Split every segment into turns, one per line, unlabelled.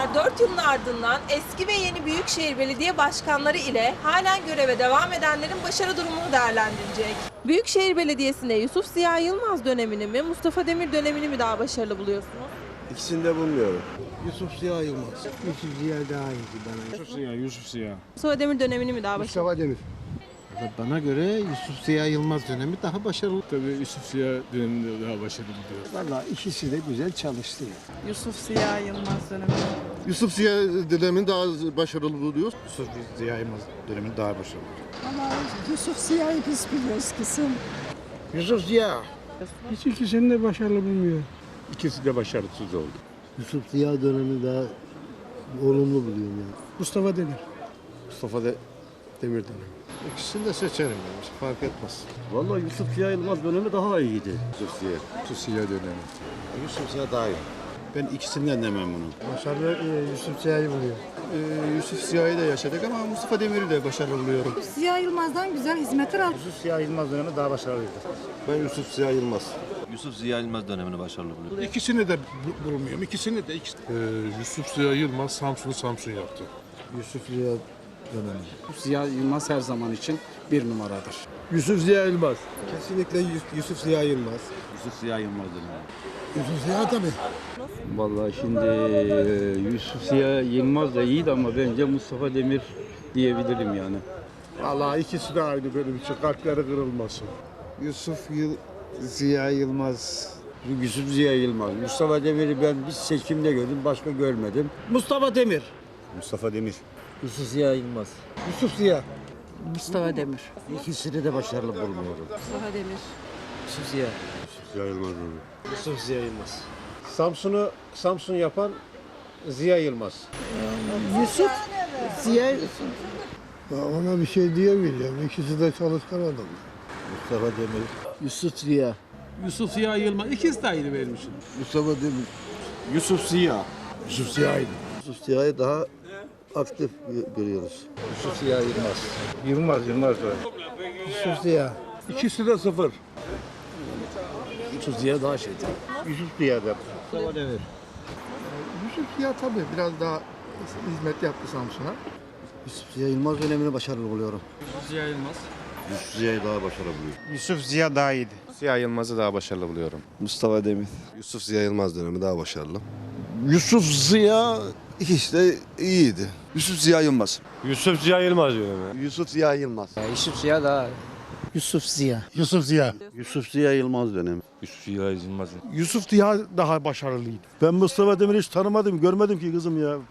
4 yılın ardından eski ve yeni Büyükşehir Belediye Başkanları ile halen göreve devam edenlerin başarı durumunu değerlendirecek. Büyükşehir Belediyesi'nde Yusuf Ziya Yılmaz dönemini mi, Mustafa Demir dönemini mi daha başarılı buluyorsunuz?
İkisini de bulmuyorum.
Yusuf Ziya Yılmaz. Yusuf Ziya daha iyiydi bana.
Yusuf Ziya.
Mustafa Demir dönemini mi daha başarılı?
Mustafa Demir. Bana göre Yusuf Ziya Yılmaz dönemi daha başarılı.
Tabii Yusuf Ziya döneminde daha başarılı buluyoruz.
Vallahi ikisi de güzel çalıştı.
Yusuf Ziya Yılmaz dönemi.
Yusuf Ziya dönemini daha başarılı buluyoruz.
Yusuf Ziya Yılmaz dönemini daha başarılı.
Ama Yusuf Ziya'yı biz biliyoruz kızım.
Yusuf Ziya.
Hiç ikisini de başarılı bulmuyor.
İkisi de başarısız oldu.
Yusuf Ziya dönemi daha olumlu buluyorum yani.
Mustafa Demir.
Mustafa Demir dönemi.
İkisini de seçerim yani. Hiç fark etmez.
Vallahi Yusuf Ziya Yılmaz dönemi daha iyiydi.
Yusuf Ziya dönemi.
Yusuf Ziya daha iyi. Ben ikisinden de memnunum.
Başarılı Yusuf Ziya'yı buluyor.
Yusuf Ziya'yı da yaşadık ama Mustafa Demir'i de başarılı buluyorum.
Ziya Yılmaz'dan güzel hizmetler aldık.
Yusuf Ziya Yılmaz dönemi daha başarılıydı.
Ben Yusuf Ziya Yılmaz.
Yusuf Ziya Yılmaz dönemini başarılı buluyorum.
İkisini de bulmuyorum. İkisini de.
Yusuf Ziya Yılmaz Samsun yaptı.
Yusuf Ziya dönemi.
Ziya Yılmaz her zaman için bir numaradır.
Yusuf Ziya Yılmaz.
Kesinlikle Yusuf Ziya Yılmaz.
Yusuf Ziya Yılmaz dönemi.
Yusuf Ziya tabii.
Vallahi şimdi Yusuf Ziya Yılmaz da iyiydi ama bence Mustafa Demir diyebilirim yani.
Vallahi ikisi de aynı benim için. Kalpleri kırılmasın.
Ziya Yılmaz.
Yusuf Ziya Yılmaz. Mustafa Demir'i ben bir seçimde gördüm, başka görmedim. Mustafa Demir.
Mustafa Demir.
Yusuf Ziya Yılmaz.
Yusuf Ziya.
Mustafa Demir.
İkisini de başarılı bulmuyorum.
Mustafa Demir.
Yusuf Ziya.
Ziya Yılmaz dönemi.
Yusuf Ziya Yılmaz.
Samsun yapan Ziya Yılmaz.
Yusuf Ziya
Ona bir şey diyemeyeceğim. İkisi de çalışkan adam.
Mustafa Demir.
Yusuf Ziya.
Yusuf Ziya Yılmaz. İkisi de aynı benim için.
Mustafa Demir.
Yusuf Ziya.
Yusuf Ziya'ydı.
Yusuf Ziya'yı daha aktif görüyoruz. Yusuf Ziya Yılmaz.
Yılmaz dönemi.
Yusuf Ziya.
İkisi de sıfır.
Yusuf Ziya daha şeydi.
Yusuf Ziya'da.
Mustafa Demir.
Yusuf Ziya tabii biraz daha hizmet yaptı Samsun'a.
Yusuf Ziya Yılmaz dönemini başarılı buluyorum.
Ziya Yılmaz.
Yusuf Ziya'yı daha başarılı buluyorum.
Yusuf Ziya daha iyiydi. Ziya Yılmaz'ı daha başarılı buluyorum.
Mustafa Demir.
Yusuf Ziya Yılmaz dönemi daha başarılı.
Yusuf Ziya ikisi de iyiydi. Yusuf Ziya Yılmaz.
Yusuf Ziya Yılmaz dönemi.
Yusuf Ziya Yılmaz.
Yusuf Ziya daha.
Yusuf Ziya.
Yusuf Ziya.
Yusuf Ziya Yılmaz dönemi.
Yusuf Ziya Yılmaz.
Yusuf Ziya daha başarılıydı.
Ben Mustafa Demir'i hiç tanımadım, görmedim ki kızım ya.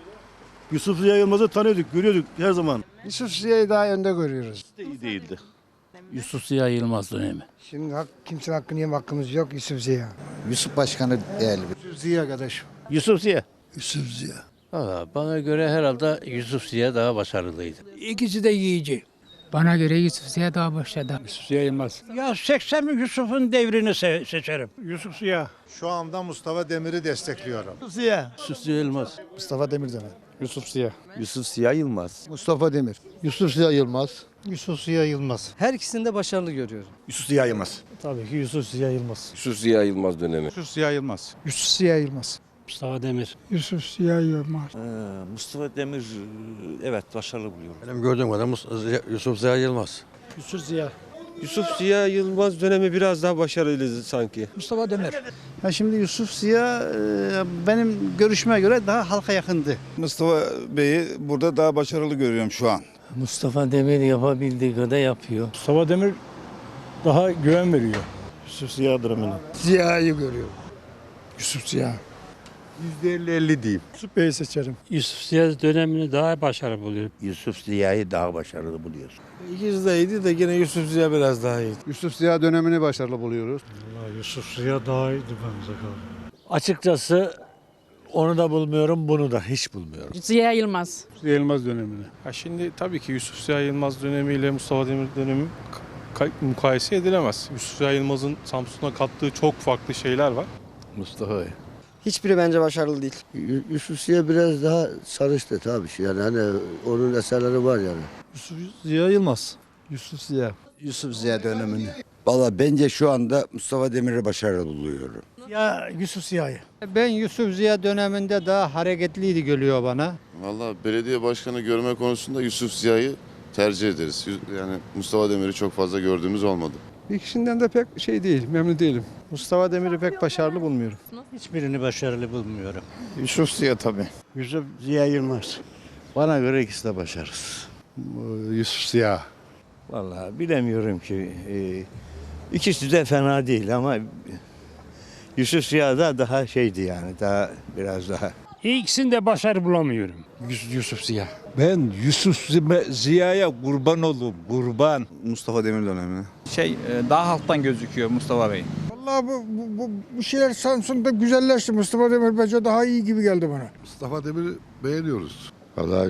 Yusuf Ziya Yılmaz'ı tanıyorduk, görüyorduk her zaman.
Yusuf Ziya'yı daha önde görüyoruz.
İyi değildi.
Yusuf Ziya Yılmaz dönemi.
Şimdi kimsenin hakkını yeme hakkımız yok. Yusuf Ziya.
Yusuf Başkanı değerli.
Yusuf Ziya kardeşim.
Yusuf Ziya.
Yusuf Ziya.
Bana göre herhalde Yusuf Ziya daha başarılıydı.
İkisi de yiyici.
Bana göre Yusuf Ziya daha başladı.
Yusuf Ziya Yılmaz.
Ya 80 Yusuf'un devrini seçerim.
Yusuf Ziya.
Şu anda Mustafa Demir'i destekliyorum.
Yusuf Ziya Yılmaz.
Mustafa Demir dönemi.
Yusuf Ziya.
Yusuf Ziya Yılmaz.
Mustafa Demir.
Yusuf Ziya Yılmaz.
Yusuf Ziya Yılmaz.
Her ikisini de başarılı görüyorum.
Yusuf Ziya Yılmaz.
Tabii ki Yusuf Ziya Yılmaz.
Yusuf Ziya Yılmaz dönemi.
Yusuf Ziya Yılmaz.
Yusuf Ziya Yılmaz.
Mustafa Demir.
Yusuf Ziya Yılmaz.
Mustafa Demir evet başarılı buluyorum.
Benim gördüğüm kadar Yusuf Ziya Yılmaz.
Yusuf Ziya.
Yusuf Ziya Yılmaz dönemi biraz daha başarılıydı sanki.
Mustafa Demir.
Ya şimdi Yusuf Ziya benim görüşme göre daha halka yakındı.
Mustafa Bey'i burada daha başarılı görüyorum şu an.
Mustafa Demir yapabildiği kadar yapıyor.
Mustafa Demir daha güven veriyor.
Yusuf Ziya dönemini.
Ziya'yı görüyorum. Yusuf Ziya.
%50-50 diyeyim.
Yusuf Bey'i seçerim.
Yusuf Ziya dönemini daha başarılı buluyorum.
Yusuf Ziya'yı daha başarılı buluyoruz.
İkisi de iyiydi de yine Yusuf Ziya biraz daha iyiydi.
Yusuf Ziya dönemini başarılı buluyoruz.
Yusuf Ziya daha iyiydi bence.
Açıkçası onu da bulmuyorum, bunu da hiç bulmuyorum.
Ziya Yılmaz.
Ziya Yılmaz dönemini. Şimdi tabii ki Yusuf Ziya Yılmaz dönemiyle Mustafa Demir dönemi mukayese edilemez. Yusuf Ziya Yılmaz'ın Samsun'a kattığı çok farklı şeyler var.
Mustafa Bey.
Hiçbiri bence başarılı değil.
Yusuf Ziya biraz daha sarıştı tabii ki. Yani hani onun eserleri var yani.
Yusuf Ziya Yılmaz. Yusuf Ziya.
Yusuf Ziya dönemini.
Valla bence şu anda Mustafa Demir'i başarılı buluyorum.
Ya Yusuf Ziya'yı.
Ben Yusuf Ziya döneminde daha hareketliydi geliyor bana.
Vallahi belediye başkanı görme konusunda Yusuf Ziya'yı tercih ederiz. Yani Mustafa Demir'i çok fazla gördüğümüz olmadı.
İkisinden de pek şey değil, memnun değilim.
Mustafa Demir'i pek başarılı bulmuyorum.
Hiçbirini başarılı bulmuyorum.
Yusuf Ziya tabii.
Yusuf Ziya Yılmaz.
Bana göre ikisi de başarısız.
Yusuf Ziya.
Vallahi bilemiyorum ki. İkisi de fena değil ama Yusuf Ziya da daha şeydi yani. Daha biraz daha.
İkisinde başarı bulamıyorum.
Yusuf Ziya.
Ben Yusuf Ziya'ya kurban oldum, kurban.
Mustafa Demir dönemi.
Daha halktan gözüküyor Mustafa Bey.
Vallahi bu şeyler Samsun'da güzelleşti. Mustafa Demir bence daha iyi gibi geldi bana.
Mustafa Demir'i beğeniyoruz.
Vallahi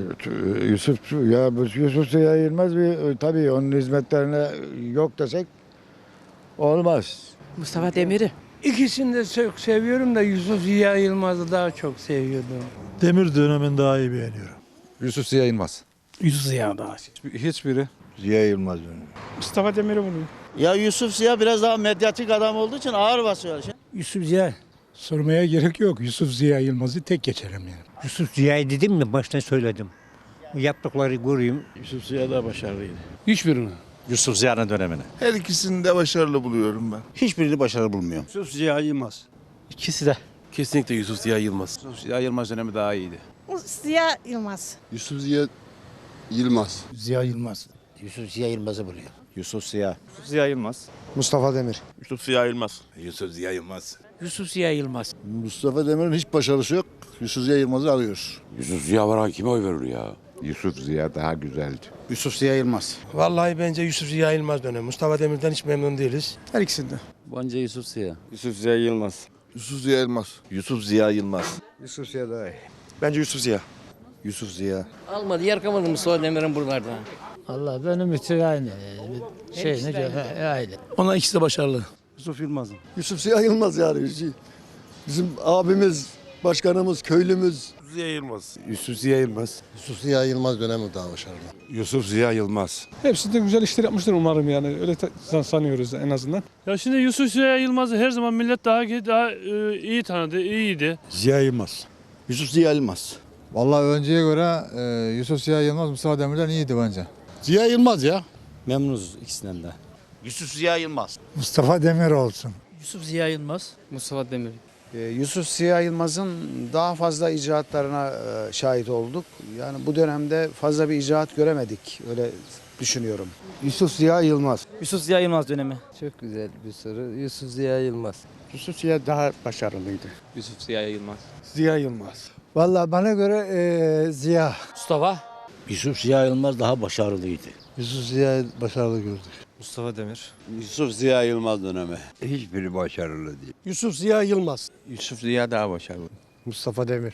Yusuf Ziya Yılmaz tabii onun hizmetlerine yok desek olmaz.
Mustafa Demir'i.
İkisini de çok seviyorum da Yusuf Ziya Yılmaz'ı daha çok seviyordum.
Demir dönemini daha iyi beğeniyorum.
Yusuf Ziya Yılmaz.
Yusuf Ziya daha.
Hiçbiri.
Ziya Yılmaz dönemi.
Mustafa Demir'i buluyor.
Ya Yusuf Ziya biraz daha medyatik adam olduğu için ağır basıyor.
Yusuf Ziya. Sormaya gerek yok. Yusuf Ziya Yılmaz'ı tek geçerim yani.
Yusuf Ziya'yı dedim mi baştan söyledim. Yaptıkları göreyim.
Yusuf Ziya da başarılıydı.
Hiçbirini.
Yusuf Ziya'nın dönemine.
Her ikisini de başarılı buluyorum ben.
Hiçbirini başarılı bulmuyorum.
Yusuf Ziya Yılmaz.
İkisi de.
Kesinlikle Yusuf Ziya Yılmaz.
Yusuf Ziya Yılmaz dönemi daha iyiydi.
Ziya Yılmaz.
Yusuf Ziya Yılmaz.
Ziya Yılmaz.
Yusuf Ziya Yılmaz'ı buluyor.
Yusuf Ziya.
Ziya Yılmaz.
Mustafa Demir.
Yusuf Ziya Yılmaz.
Yusuf Ziya Yılmaz.
Yusuf Ziya Yılmaz.
Mustafa Demir'in hiç başarısı yok. Yusuf Ziya Yılmaz'ı alıyoruz.
Yusuf Ziya var, kime oy verir ya?
Yusuf Ziya daha güzeldi.
Yusuf Ziya Yılmaz.
Vallahi bence Yusuf Ziya Yılmaz dönemi. Mustafa Demir'den hiç memnun değiliz.
Her ikisinde.
Bence Yusuf Ziya.
Yusuf Ziya Yılmaz.
Yusuf Ziya Yılmaz.
Yusuf Ziya Yılmaz.
Yusuf Ziya daha iyi.
Bence Yusuf Ziya. Yusuf Ziya.
Almadı, yer kalmadı Mustafa Demir'in buralarda.
Allah benim için aynı. Aynı.
Ona ikisi de başarılı.
Yusuf Yılmaz.
Yusuf Ziya Yılmaz yani. Bizim abimiz, başkanımız, köylümüz.
Ziya Yılmaz. Yusuf Ziya Yılmaz.
Yusuf Ziya Yılmaz dönemi daha başarılı.
Yusuf Ziya Yılmaz.
Hepsi de güzel işler yapmıştır umarım yani. Öyle sanıyoruz en azından.
Ya şimdi Yusuf Ziya Yılmaz'ı her zaman millet daha iyi tanıdı, iyiydi.
Ziya Yılmaz.
Yusuf Ziya Yılmaz.
Vallahi önceye göre Yusuf Ziya Yılmaz Mustafa Demir'den iyiydi bence.
Ziya Yılmaz ya.
Memnunuz ikisinden de.
Yusuf Ziya Yılmaz.
Mustafa Demir olsun.
Yusuf Ziya Yılmaz.
Mustafa Demir.
Yusuf Ziya Yılmaz'ın daha fazla icraatlarına şahit olduk. Yani bu dönemde fazla bir icraat göremedik. Öyle düşünüyorum.
Yusuf Ziya Yılmaz.
Yusuf Ziya Yılmaz dönemi.
Çok güzel bir soru. Yusuf Ziya Yılmaz.
Yusuf Ziya daha başarılıydı.
Yusuf Ziya Yılmaz.
Ziya Yılmaz.
Vallahi bana göre Ziya.
Mustafa.
Yusuf Ziya Yılmaz daha başarılıydı.
Yusuf Ziya başarılı gördük.
Mustafa Demir.
Yusuf Ziya Yılmaz dönemi.
Hiçbiri başarılı değil.
Yusuf Ziya Yılmaz.
Yusuf Ziya daha başarılı.
Mustafa Demir.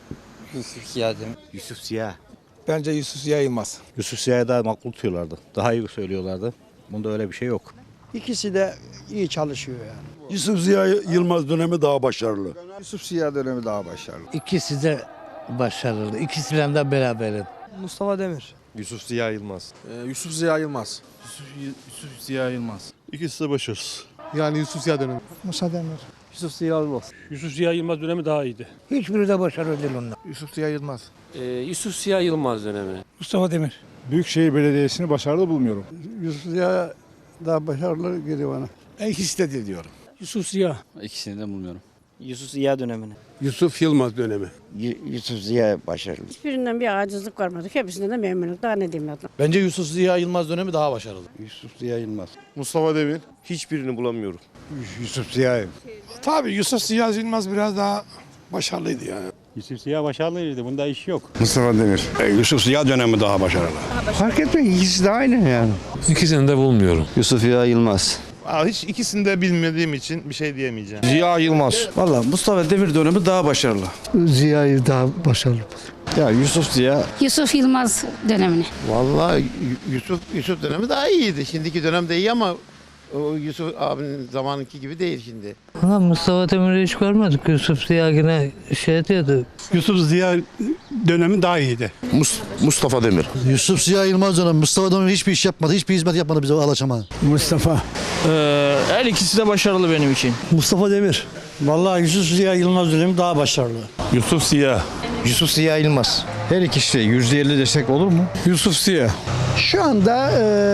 Yusuf Ziya Demir.
Yusuf Ziya.
Bence Yusuf Ziya Yılmaz.
Yusuf Ziya'yı daha makul tutuyorlardı. Daha iyi söylüyorlardı. Bunda öyle bir şey yok.
İkisi de iyi çalışıyor yani.
Yusuf Ziya Yılmaz dönemi daha başarılı.
Yusuf Ziya dönemi daha başarılı.
İkisi de başarılı. İkisiyle de beraberim.
Mustafa Demir.
Yusuf Ziya Yılmaz.
Yusuf Ziya Yılmaz.
Yusuf Ziya Yılmaz.
İkisi de başarısız.
Yani Yusuf Ziya dönemi.
Musa Demir.
Yusuf Ziya Yılmaz.
Yusuf Ziya Yılmaz dönemi daha iyiydi.
Hiçbiri de başarılı değil onlar.
Yusuf Ziya Yılmaz.
Yusuf Ziya Yılmaz dönemi.
Mustafa Demir.
Büyükşehir Belediyesi'ni başarılı bulmuyorum.
Yusuf Ziya daha başarılı geliyor bana.
İkisi de değil diyorum.
Yusuf Ziya.
İkisini de bulmuyorum.
Yusuf Ziya dönemini.
Yusuf Yılmaz dönemi.
Yusuf Ziya başarılı.
Hiçbirinden bir acizlik görmedik. Hepsinden de memnunum. Daha ne diyeyim adam.
Bence Yusuf Ziya Yılmaz dönemi daha başarılı.
Yusuf Ziya Yılmaz.
Mustafa Demir. Hiçbirini bulamıyorum.
Yusuf Ziya. Tabii Yusuf Ziya Yılmaz biraz daha başarılıydı yani.
Yusuf Ziya başarılıydı. Bunda iş yok.
Mustafa Demir. Yusuf Ziya dönemi daha başarılı.
Fark etmiyor. İkisi de aynı yani.
İkisini de bulmuyorum.
Yusuf Ziya Yılmaz.
Hiç ikisini de bilmediğim için bir şey diyemeyeceğim.
Ziya Yılmaz.
Vallahi Mustafa Demir dönemi daha başarılı.
Ziya'yı daha başarılı.
Ya Yusuf Ziya.
Yusuf Yılmaz dönemini.
Vallahi Yusuf dönemi daha iyiydi. Şimdiki dönem de iyi ama o Yusuf abinin zamanınki gibi değil şimdi.
Mustafa Demir'i hiç görmedik. Yusuf Ziya yine şey diyordu.
Yusuf Ziya dönemi daha iyiydi.
Mustafa Demir.
Yusuf Ziya Yılmaz dönemi. Mustafa Demir hiçbir iş yapmadı. Hiçbir hizmet yapmadı bize Alaçam'a.
Mustafa.
Her ikisi de başarılı benim için.
Mustafa Demir. Vallahi Yusuf Ziya Yılmaz dönemi daha başarılı.
Yusuf Ziya.
Yusuf Ziya Yılmaz. Her ikisi %50 desek olur mu?
Yusuf Ziya.
Şu anda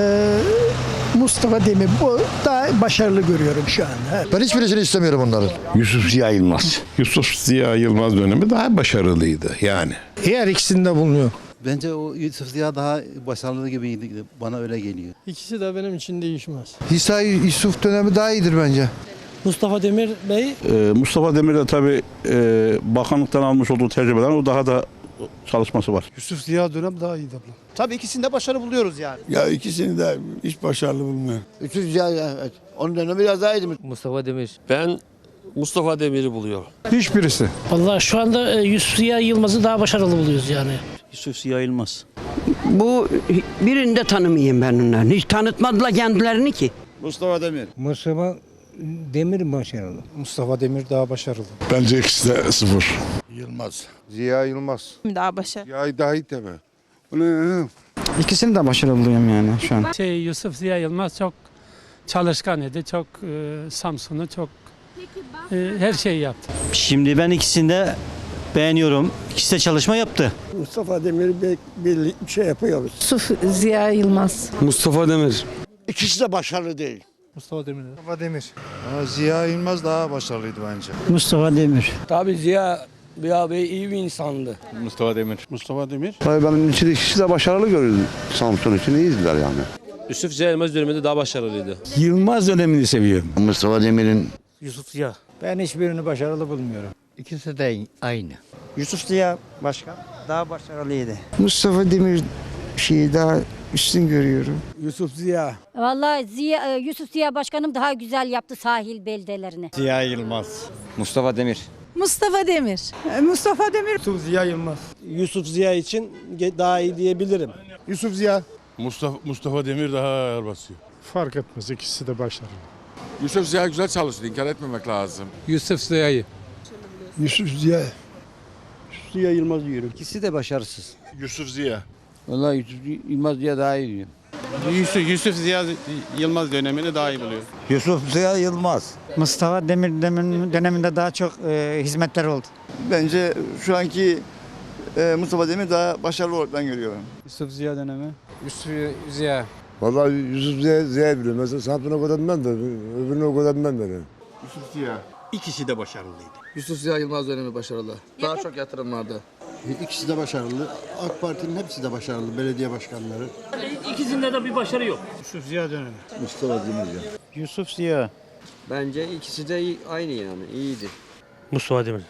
Mustafa Demir bu daha başarılı görüyorum şu anda.
Ben hiçbirisini istemiyorum onların. Yusuf Ziya Yılmaz.
Yusuf Ziya Yılmaz dönemi daha başarılıydı yani.
Her ikisinde bulunuyor.
Bence o Yusuf Ziya daha başarılı gibiydi. Bana öyle geliyor.
İkisi de benim için değişmez.
İsa Yusuf dönemi daha iyidir bence.
Mustafa Demir Bey
Mustafa Demir de tabii bakanlıktan almış olduğu tecrübeden o daha da çalışması var.
Yusuf Ziya dönem daha iyiydi abla.
Tabii ikisinde başarı buluyoruz yani.
Ya ikisini de hiç başarılı bulmuyorum.
Yusuf Ziya, evet. Onun dönemi biraz daha iyiydi.
Mustafa Demir. Ben Mustafa Demir'i buluyorum.
Hiçbirisi.
Vallahi şu anda Yusuf Ziya Yılmaz'ı daha başarılı buluyoruz yani.
Yusuf Ziya Yılmaz.
Bu birini de tanımayayım ben onların. Hiç tanıtmadılar kendilerini ki.
Mustafa Demir.
Mustafa Demir başarılı. Mustafa Demir daha başarılı.
Bence ikisi de sıfır.
Yılmaz.
Ziya Yılmaz.
Daha başarılı.
Ya daha iyi tabii.
İkisini de başarılı buluyorum yani şu an.
Yusuf Ziya Yılmaz çok çalışkan idi. Çok Samsun'u çok her şeyi yaptı.
Şimdi ben ikisini de beğeniyorum. İkisi de çalışma yaptı.
Mustafa Demir bir şey yapıyoruz.
Yusuf Ziya Yılmaz.
Mustafa Demir.
İkisi de başarılı değil.
Mustafa Demir.
Mustafa Demir. Ziya Yılmaz daha başarılıydı bence.
Mustafa Demir.
Tabii Ziya Bey iyi bir insandı.
Mustafa Demir. Mustafa Demir.
Tabii benim için ikisi de başarılı görüldü. Samsun için iyiydiler yani.
Yusuf Ziya Yılmaz döneminde daha başarılıydı.
Yılmaz dönemini seviyorum.
Mustafa Demir'in
Yusuf Ziya.
Ben hiçbirini başarılı bulmuyorum.
ikisi de aynı.
Yusuf Ziya başkan daha başarılıydı.
Mustafa Demir daha üstün görüyorum.
Yusuf Ziya.
Vallahi Yusuf Ziya Başkanım daha güzel yaptı sahil beldelerini.
Ziya Yılmaz.
Mustafa Demir.
Mustafa Demir. Mustafa Demir.
Yusuf Ziya Yılmaz. Yusuf Ziya için daha iyi diyebilirim.
Yusuf Ziya.
Mustafa Demir daha ağır basıyor.
Fark etmez, ikisi de başarılı.
Yusuf Ziya güzel çalıştı. İnkar etmemek lazım.
Yusuf Ziya'yı.
Yusuf Ziya.
Yusuf Ziya Yılmaz diyorum.
İkisi de başarısız.
Yusuf Ziya.
Vallahi Yusuf Yılmaz diye daha iyi diyor.
Yusuf Ziya Yılmaz dönemini daha iyi buluyor.
Yusuf Ziya Yılmaz.
Mustafa Demir döneminde daha çok hizmetler oldu.
Bence şu anki Mustafa Demir daha başarılı olarak ben görüyorum.
Yusuf Ziya dönemi.
Yusuf Ziya.
Vallahi Yusuf Ziya biliyorum. Mesela Samsun'a o kadar ben de, öbürüne o kadar ben de.
Yusuf Ziya.
İkisi de başarılıydı.
Yusuf Ziya Yılmaz dönemi başarılı. Daha çok yatırım vardı. İkisi de başarılı. AK Parti'nin hepsi de başarılı. Belediye başkanları.
İkisinde de bir başarı yok.
Yusuf Ziya dönemi.
Mustafa Demir.
Yusuf Ziya.
Bence ikisi de aynı yani iyiydi.
Mustafa Demir.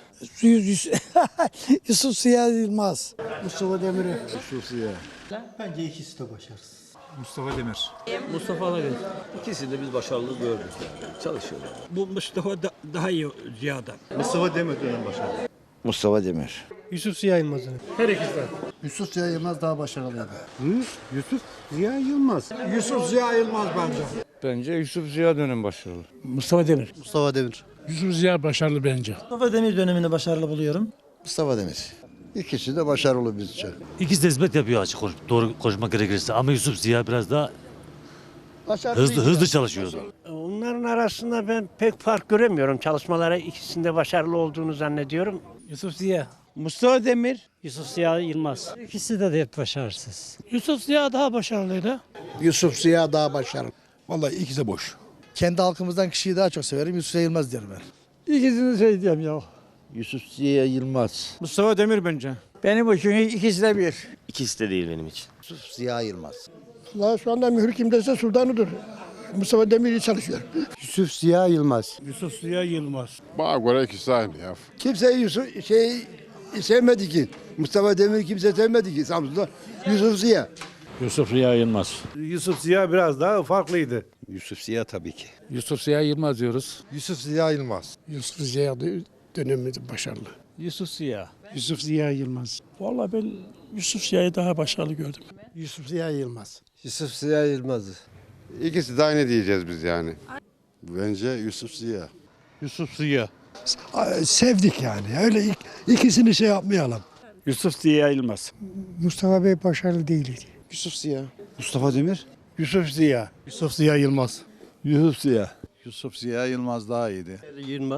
Yusuf Ziya Yılmaz.
Mustafa Demir'i.
Yusuf Ziya.
Bence ikisi de başarısız.
Mustafa Demir.
Mustafa Demir. İkisini de biz başarılı gördük. Çalışıyorlar.
Bu Mustafa daha iyi Ziya'dan.
Mustafa Demir dönemi başarılı.
Mustafa Demir.
Yusuf Ziya Yılmaz dönemi. Her ikisi de.
Yusuf Ziya Yılmaz daha başarılıydı.
Yusuf Ziya Yılmaz.
Yusuf Ziya Yılmaz bence.
Bence Yusuf Ziya dönemi başarılı.
Mustafa Demir.
Mustafa Demir.
Yusuf Ziya başarılı bence.
Mustafa Demir dönemini başarılı buluyorum.
Mustafa Demir. İkisi de başarılı bizce.
İkisi de hizmet yapıyor açık doğru konuşmak gerekirse. Ama Yusuf Ziya biraz daha hızlı çalışıyordu.
Onların arasında ben pek fark göremiyorum. Çalışmalara ikisinde başarılı olduğunu zannediyorum. Yusuf Ziya.
Mustafa Demir.
Yusuf Ziya Yılmaz.
İkisi de hep başarısız. Yusuf Ziya daha başarılıydı.
Yusuf Ziya daha başarılı.
Vallahi ikisi de boş.
Kendi halkımızdan kişiyi daha çok severim. Yusuf Ziya Yılmaz diyorum ben.
İkisini şey diyeyim ya.
Yusuf Ziya Yılmaz.
Mustafa Demir bence. Benim için ikisi de bir.
İkisi de değil benim için.
Yusuf Ziya Yılmaz.
Şu anda mühür kimdeyse Sudan'ıdır. Mustafa Demir iyi çalışıyor.
Yusuf Ziya Yılmaz.
Yusuf Ziya Yılmaz.
Bana göre ikisi aynı ya.
Kimse sevmedi ki. Mustafa Demir kimse sevmedi ki Samsun'da. Yusuf Ziya.
Yusuf Ziya Yılmaz.
Yusuf Ziya biraz daha farklıydı.
Yusuf Ziya tabii ki.
Yusuf Ziya Yılmaz diyoruz.
Yusuf Ziya Yılmaz.
Yusuf Ziya dönemi başarılı.
Yusuf Ziya.
Yusuf Ziya Yılmaz.
Vallahi ben Yusuf Ziya'yı daha başarılı gördüm.
Yusuf Ziya Yılmaz.
Yusuf Ziya Yılmaz.
İkisi de aynı diyeceğiz biz yani. Bence Yusuf Ziya.
Yusuf Ziya.
Sevdik yani. Öyle ikisini şey yapmayalım.
Yusuf Ziya Yılmaz.
Mustafa Bey başarılı değildi.
Yusuf Ziya. Mustafa Demir.
Yusuf Ziya. Yusuf Ziya Yılmaz.
Yusuf Ziya.
Yusuf Ziya Yılmaz daha iyiydi.
Yılmaz.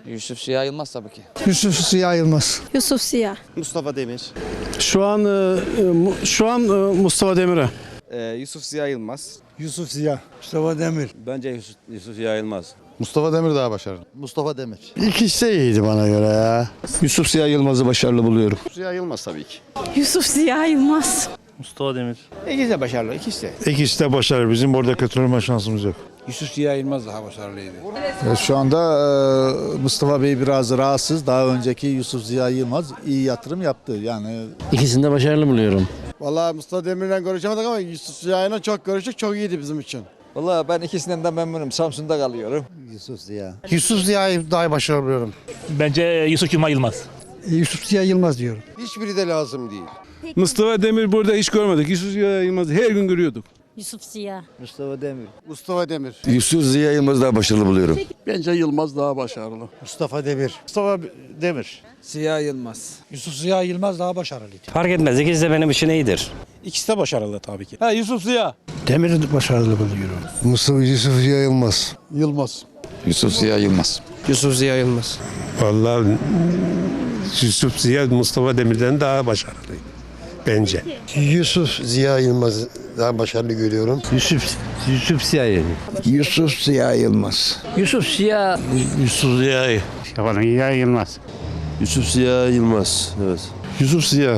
Yusuf Ziya Yılmaz tabii ki.
Yusuf Ziya Yılmaz.
Yusuf Ziya.
Mustafa Demir. Şu an Mustafa Demir'e.
Yusuf Ziya Yılmaz.
Yusuf Ziya. Mustafa Demir.
Bence Yusuf Ziya Yılmaz.
Mustafa Demir daha başarılı.
Mustafa Demir.
İkisi de iyiydi bana göre ya.
Yusuf Ziya Yılmaz'ı başarılı buluyorum.
Ziya Yılmaz tabii ki.
Yusuf Ziya Yılmaz.
Mustafa Demir.
İkisi de başarılı, ikisi de.
İkisi de başarılı. Bizim burada kötüleme şansımız yok.
Yusuf Ziya Yılmaz daha başarılıydı.
Şu anda Mustafa Bey biraz rahatsız. Daha önceki Yusuf Ziya Yılmaz iyi yatırım yaptı. Yani
İkisini de başarılı buluyorum.
Vallahi Mustafa Demir'le görüşemedik ama Yusuf Ziya'yla çok görüştük. Çok iyiydi bizim için.
Vallahi ben ikisinden de memnunum. Samsun'da kalıyorum.
Yusuf Ziya.
Yusuf Ziya'yı daha başarılı buluyorum.
Bence Yusuf Kemal Yılmaz.
Yusuf Ziya Yılmaz diyorum.
Hiçbiri de lazım değil.
Mustafa Demir burada hiç görmedik. Yusuf Ziya Yılmaz'ı her gün görüyorduk.
Yusuf Ziya.
Mustafa Demir.
Mustafa Demir.
Yusuf Ziya Yılmaz'ı daha başarılı buluyorum.
Bence Yılmaz daha başarılı. Mustafa Demir. Mustafa Demir.
Ziya Yılmaz.
Yusuf Ziya Yılmaz daha başarılıydı.
Fark etmez. İkisi de benim için iyidir.
İkisi de başarılı tabii ki.
Yusuf Ziya. Demir'i başarılı buluyorum. Yusuf Ziya Yılmaz. Yılmaz.
Yusuf Ziya Yılmaz.
Yusuf Ziya Yılmaz.
Vallahi Yusuf Ziya Mustafa Demir'den daha başarılı bence. Yusuf Ziya Yılmaz daha başarılı görüyorum.
Yusuf Ziya
Yusuf Ziya Yılmaz.
Yusuf Ziya.
Yusuf Ziya.
Yılmaz.
Yusuf Ziya Yılmaz. Evet.
Yusuf Ziya.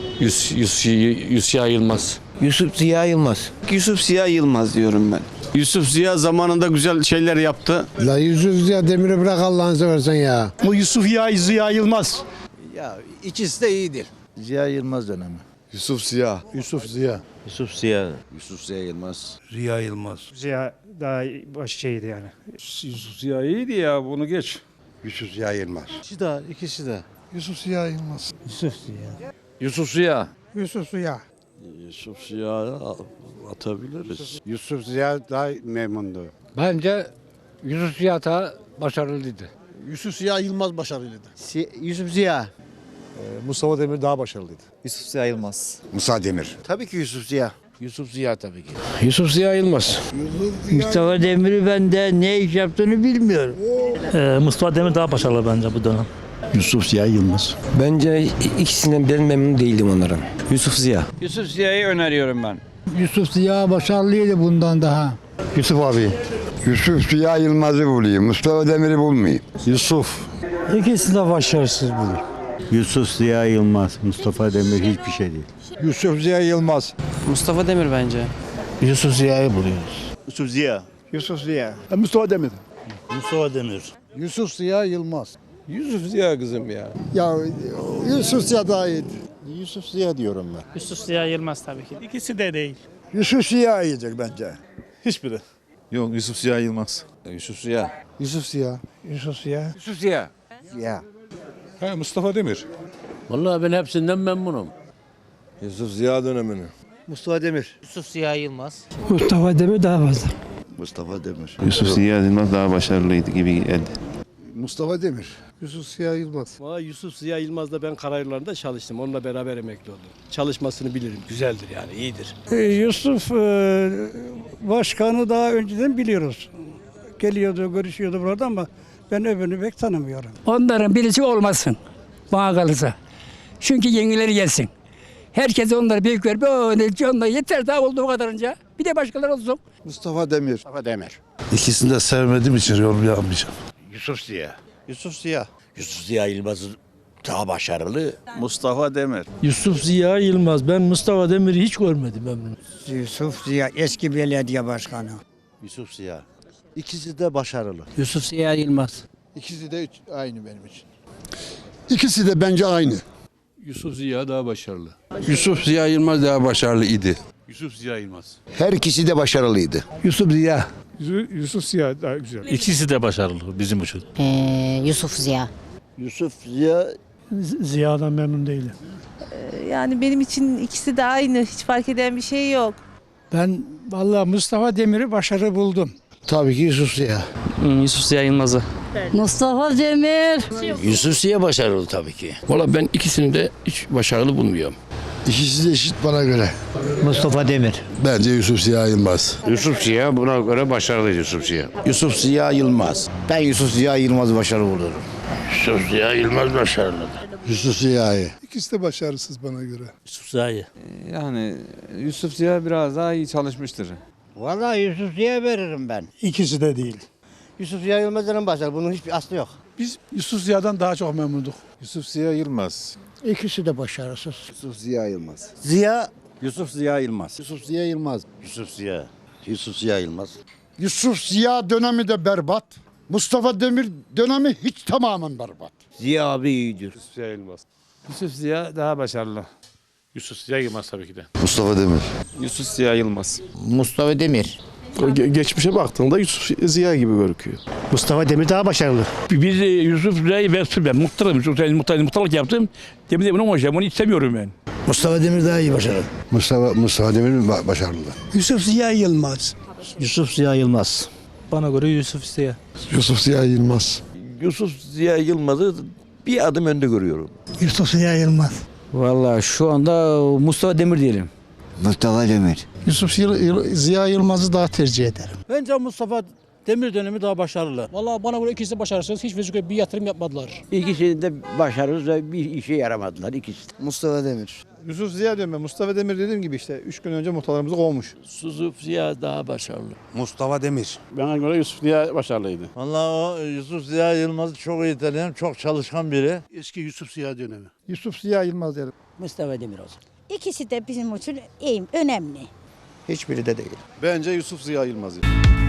Yusuf Ziya Yılmaz.
Yusuf Ziya Yılmaz.
Yusuf Ziya Yılmaz diyorum ben.
Yusuf Ziya zamanında güzel şeyler yaptı.
La Yusuf Ziya Demir'i bırak Allah'ını seversen ya. Bu Yusuf Ziya Yılmaz.
Ya ikisi de iyidir.
Ziya Yılmaz dönemi.
Yusuf Ziya.
Yusuf Ziya.
Yusuf Ziya.
Yusuf Ziya Yılmaz.
Ziya Yılmaz.
Ziya daha şeydi yani.
Yusuf Ziya iyiydi ya, bunu geç.
Yusuf Ziya Yılmaz.
İkisi de.
Yusuf Ziya Yılmaz.
Yusuf Ziya.
Yusuf Ziya.
Yusuf Ziya.
Yusuf Ziya'yı atabiliriz.
Yusuf Ziya daha memnundu.
Bence Yusuf Ziya daha başarılıydı.
Yusuf Ziya Yılmaz başarılıydı.
Yusuf Ziya.
Mustafa Demir daha başarılıydı.
Yusuf Ziya Yılmaz.
Musa Demir.
Tabii ki Yusuf Ziya.
Yusuf Ziya tabii ki. Yusuf Ziya Yılmaz.
Mustafa Demir'i ben de ne iş yaptığını bilmiyorum.
Mustafa Demir daha başarılı bence bu dönem.
Yusuf Ziya Yılmaz.
Bence ikisinden ben memnun değildim onların. Yusuf Ziya.
Yusuf Ziya'yı öneriyorum ben.
Yusuf Ziya başarılıydı bundan daha.
Yusuf abi. Yusuf Ziya Yılmaz'ı bulayım. Mustafa Demir'i bulmayayım.
Yusuf.
İkisi de başarısız budur.
Yusuf Ziya Yılmaz. Mustafa Demir hiçbir şey değil. Yusuf Ziya Yılmaz.
Mustafa Demir bence.
Yusuf Ziya'yı buluyoruz.
Yusuf Ziya.
Yusuf Ziya. Mustafa Demir.
Mustafa Demir.
Yusuf Ziya Yılmaz.
Yusuf Ziya kızım ya.
Ya Yusuf Ziya daha iyiydi.
Yusuf Ziya diyorum ben.
Yusuf Ziya Yılmaz tabii ki. İkisi de değil.
Yusuf Ziya iyidir bence.
Hiçbiri.
Yok Yusuf Ziya Yılmaz.
Yusuf Ziya.
Yusuf Ziya. Yusuf Ziya.
Yusuf Ziya.
Ziya.
Mustafa Demir.
Vallahi ben hepsinden memnunum.
Yusuf Ziya dönemini.
Mustafa Demir.
Yusuf Ziya Yılmaz.
Mustafa Demir daha fazla.
Mustafa Demir.
Yusuf Ziya Yılmaz daha başarılıydı gibi geldi.
Mustafa Demir. Yusuf Ziya Yılmaz.
Yusuf Ziya Yılmaz'la ben karayollarında çalıştım. Onunla beraber emekli oldum. Çalışmasını bilirim. Güzeldir yani, iyidir.
Yusuf başkanı daha önceden biliyoruz. Geliyordu, görüşüyordu burada ama ben öbürünü pek tanımıyorum. Onların birisi olmasın bana kalırsa. Çünkü yenileri gelsin. Herkes onları büyük ver. Onlar yeter daha oldu o kadarınca. Bir de başkaları olsun.
Mustafa Demir.
Mustafa Demir.
İkisini de sevmediğim için yorum yapmayacağım.
Yusuf Ziya.
Yusuf Ziya.
Yusuf Ziya Yılmaz daha başarılı.
Mustafa Demir.
Yusuf Ziya Yılmaz. Ben Mustafa Demir'i hiç görmedim memnun.
Yusuf Ziya eski belediye başkanı.
Yusuf Ziya. İkisi de başarılı.
Yusuf Ziya Yılmaz.
İkisi de aynı benim için. İkisi de bence aynı.
Yusuf Ziya daha başarılı. Yusuf Ziya Yılmaz daha başarılı idi. Yusuf Ziya Yılmaz.
Her ikisi de başarılıydı.
Yusuf Ziya.
Yusuf Ziya daha güzel. İkisi de başarılı bizim için.
Yusuf Ziya.
Yusuf Ziya.
Ziya'dan memnun değilim.
Yani benim için ikisi de aynı. Hiç fark eden bir şey yok.
Ben vallahi Mustafa Demir'i başarı buldum.
Tabii ki Yusuf Ziya.
Yusuf Ziya Yılmaz'ı.
Mustafa Demir.
Yusuf Ziya başarılı tabii ki.
Valla ben ikisini de hiç başarılı bulmuyorum.
İkisi de eşit bana göre.
Mustafa Demir.
Bence Yusuf Ziya Yılmaz.
Yusuf Ziya buna göre başarılı Yusuf Ziya.
Yusuf Ziya Yılmaz. Ben Yusuf Ziya Yılmaz'ı başarılı buluyorum.
Yusuf Ziya Yılmaz başarılıdır.
Yusuf Ziya'yı.
İkisi de başarısız bana göre.
Yusuf Ziya'yı.
Yani Yusuf Ziya biraz daha iyi çalışmıştır.
Vallahi Yusuf Ziya veririm ben.
İkisi de değil.
Yusuf Ziya Yılmaz'ın başarılı. Bunun hiçbir aslı yok.
Biz Yusuf Ziya'dan daha çok memnunduk.
Yusuf Ziya Yılmaz.
İkisi de başarısız.
Yusuf Ziya Yılmaz.
Ziya,
Yusuf Ziya Yılmaz.
Yusuf Ziya Yılmaz.
Yusuf Ziya. Yusuf Ziya Yılmaz.
Yusuf Ziya dönemi de berbat. Mustafa Demir dönemi hiç tamamen berbat.
Ziya abi iyidir.
Yusuf Ziya Yılmaz. Yusuf Ziya daha başarılı.
Yusuf Ziya Yılmaz tabii ki de.
Mustafa Demir.
Yusuf Ziya Yılmaz.
Mustafa Demir.
Geçmişe baktığında Yusuf Ziya gibi gözüküyor.
Mustafa Demir daha başarılı.
Biz Yusuf Ziya'yı ben muhtarım. Muhtarlık yaptım. Demin onu istemiyorum ben.
Mustafa Demir daha iyi başarılı.
Mustafa Demir başarılı.
Yusuf Ziya Yılmaz.
Yusuf Ziya Yılmaz.
Bana göre Yusuf Ziya.
Yusuf Ziya Yılmaz.
Yusuf Ziya Yılmaz'ı bir adım önde görüyorum.
Yusuf Ziya Yılmaz.
Vallahi şu anda Mustafa Demir diyelim.
Mustafa Demir.
Yusuf Ziya Yılmaz'ı daha tercih ederim.
Bence Mustafa Demir dönemi daha başarılı. Vallahi bana göre ikisi de başarısız. Hiç vizyon bir yatırım yapmadılar.
İkisi de başarısız ve bir işe yaramadılar ikisi.
Mustafa Demir.
Yusuf Ziya diyorum ben. Mustafa Demir dediğim gibi işte 3 gün önce muhtarlarımızı kovmuş.
Yusuf Ziya daha başarılı.
Mustafa Demir.
Bana göre Yusuf Ziya başarılıydı.
Vallahi o Yusuf Ziya Yılmaz'ı çok iyi tanıyorum. Çok çalışkan biri.
Eski Yusuf Ziya dönemi.
Yusuf Ziya Yılmaz derim.
Mustafa Demir olsun.
İkisi de bizim için iyi, önemli.
Hiçbiri de değil.
Bence Yusuf Ziya Yılmaz.